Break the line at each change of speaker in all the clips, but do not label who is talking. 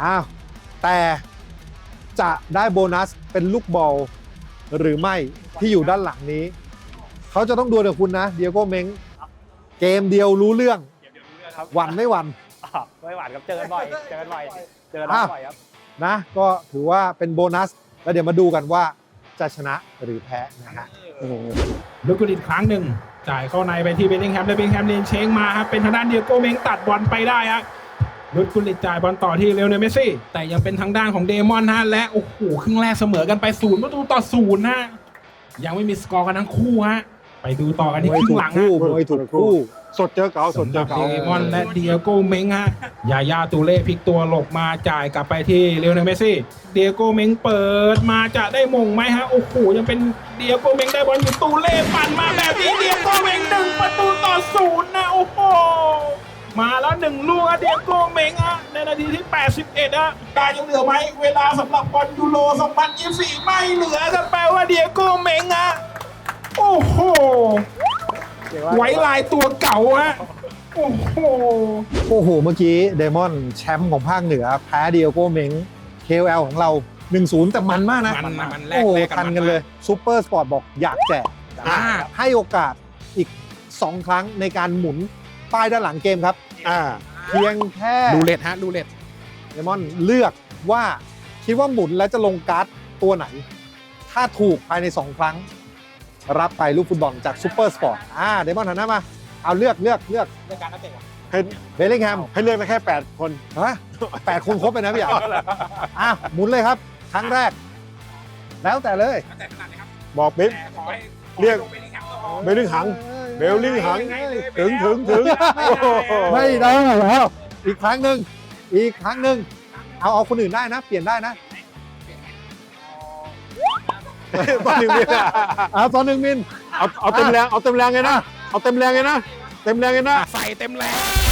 อ้าวแต่จะได้โบนัสเป็นลูกบอลหรือไม่ที่อยู่ด้านหลังนี้เขาจะต้องดวลกับคุณนะเดียโก้เม้งเกมเดียวรู้เรื่องหวั่นไม่หวั่น
ไม่หวานครับเจอกันบ่อยเจอกันบ่อยครับ
นะก็ถือว่าเป็นโบนัสแล้วเดี๋ยวมาดูกันว่าจะชนะหรือแพ้นะฮะ
ลูกกุลิตครั้งหนึ่งจ่ายเข้าในไปที่เบลลิงแฮมและเบลลิงแฮมเลียนเชงมาครับเป็นทางด้านเดียโก้เม้งตัดบอลไปได้ฮะลูกกุลิตจ่ายบอลต่อที่เลโอเนลเมสซี่แต่ยังเป็นทางด้านของเดมอนฮะและโอ้โหครึ่งแรกเสมอกันไป0-0ฮะยังไม่มีสกอร์กันทั้งคู่ฮะไปดูต่อกันที่ครึ่งหลังฮะ
มวยถูกคู่
สดเจอเก่าสดเจอเก่า
เดมอนและเดียโก้เม้งฮะยาย่าตูเล่พลิกตัวหลบมาจ่ายกลับไปที่เลโอเนลเมสซี่เดียโก้เม้งเปิดมาจะได้มงไหมฮะโอ้โหยังเป็นเดียโก้เม้งได้บอลอยู่ตูเล่ปั่นมาแบบนี้เดียโก้เม้ง1-0นะโอ้โหมาแล้ว1ลูกอะเดียโก้เม้งอะในนาทีที่81อะการยังเหลือไหมเวลาสำหรับบอลยูโร2024ไม่เหลือกันแปลว่าเดียโก้เม้งอะโอ้โหไว้ลายตัวเก่าฮะโอ้โห
โอ้โหเมื่อกี้เดมอนแชมป์ของภาคเหนือแพ้เดียโก้เม้ง KOL ของเรา 1-0 แต่มันมากนะ
มันแล
โอ้
ก
โห
แลกกัน
ทันกันเลยซูเปอร์สปอร์ตบอกอยากแจก
อ่า
ให้โอกาสอีก 2 ครั้งในการหมุนป้ายด้านหลังเกมครับเพียงแค่
รูเล็ตฮะรูเล็ต
เดมอนเลือกว่าคิดว่าหมุนแล้วจะลงการ์ดตัวไหน ถ้าถูกภายใน 2 ครั้ง รับไปลูกฟุตบอลจากซูเปอร์สปอร์ตเดมอนหันหน้ามาเอาเลือก
ในการนักเตะ
ให้
เบลลิงแฮม
ให้เลือกได้แค่8 คน
ฮะ8 คนครบไปนะพี่อ่ะหมุนเลยครับ ครั้งแรก แล้วแต่เลย
นักเตะขนาดไหนครับ
บอกเบล
แต่ขอให้
เรียก
เบลลิงแฮมก็พอ
เบลลิงหังเบลลิงหังถึง
ไม่ได้แล้วอีกครั้งหนึ่งเอาคนอื่นได้นะ เปลี่ยนได้นะ
ตอนหนึ่งมิน
เอาตอน1 มิล
เอาเต็มแรงเอาเต็มแรงเลยนะเอาเต็มแรงเลยนะเต็มแรงเลยนะ
ใส่เต็มแรง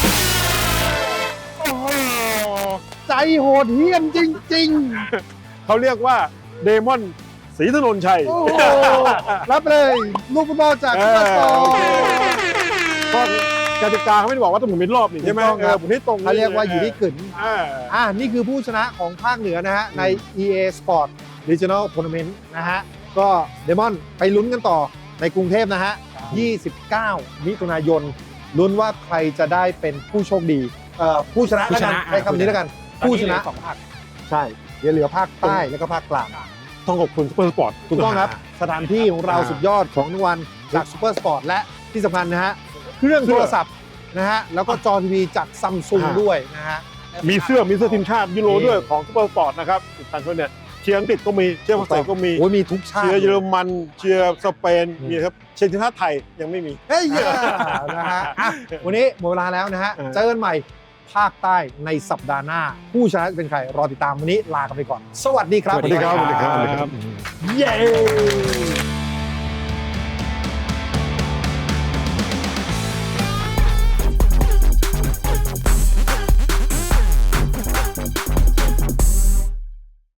ใจโหดเหี้ยมจริง
เขาเรียกว่าเดมอนศรีถนนชัย
ๆ โอ้โหรับเลยลูกฟุตบอลจากซุปเปอร์สปอร์ต
เพราะกติกาเขาไม่ได้บอกว่าต้องหมุนเป็นรอบนี่ใช่ไหม
ถูกต้องครับ
หมุนให้ตรง
เขาเรียกว่าอยู่ที่กึ่น
อ่า
นี่คือผู้ชนะของภาคเหนือนะฮะ ใน EA Sport Regional Tournament นะฮะ ก็เดมอนไปลุ้นกันต่อในกรุงเทพนะฮะ 29 มิถุนายน ลุ้นว่าใครจะได้เป็นผู้โชคดี ผู้ชนะแล้วกันใช้คำนี้แล้วกัน ผู้ชนะ
สองภาค
ใช่เดี๋ยวเหลือภาคใต้แล้วก็ภาคกลาง
ต้องขอบคุณซุปเปอร์สปอร์ต
ถูกต้องครับ สถานที่ของเราสุดยอดของรางวัลจากซูเปอร์สปอร์ตและที่สำคัญนะฮะ เครื่องโทรศัพท์นะฮะ แล้วก็จอทีวีจากซัมซุงด้วยนะฮะ
มีเสื้อทีมชาติยูโรด้วยของซุปเปอร์สปอร์ตนะครับอีกท่านคนเนี่ยเชียร์อังกฤษก็มีเชียร์ฝรั่งเศสก็มี
โอ้ยมีทุกชาติ
เชียร์เยอรมันเชียร์สเปนมีครับเชียร์ทีมชาติไทยยังไม่มี
เฮ้ยนะฮะอ่ะวันนี้หมดเวลาแล้วนะฮะ เจอกันใหม่ภาคใต้ในสัปดาห์หน้า ผู้ชนะจะเป็นใคร รอติดตามวันนี้ลากันไปก่อน สวัสดีครับ
สวัสดีครับ
เย้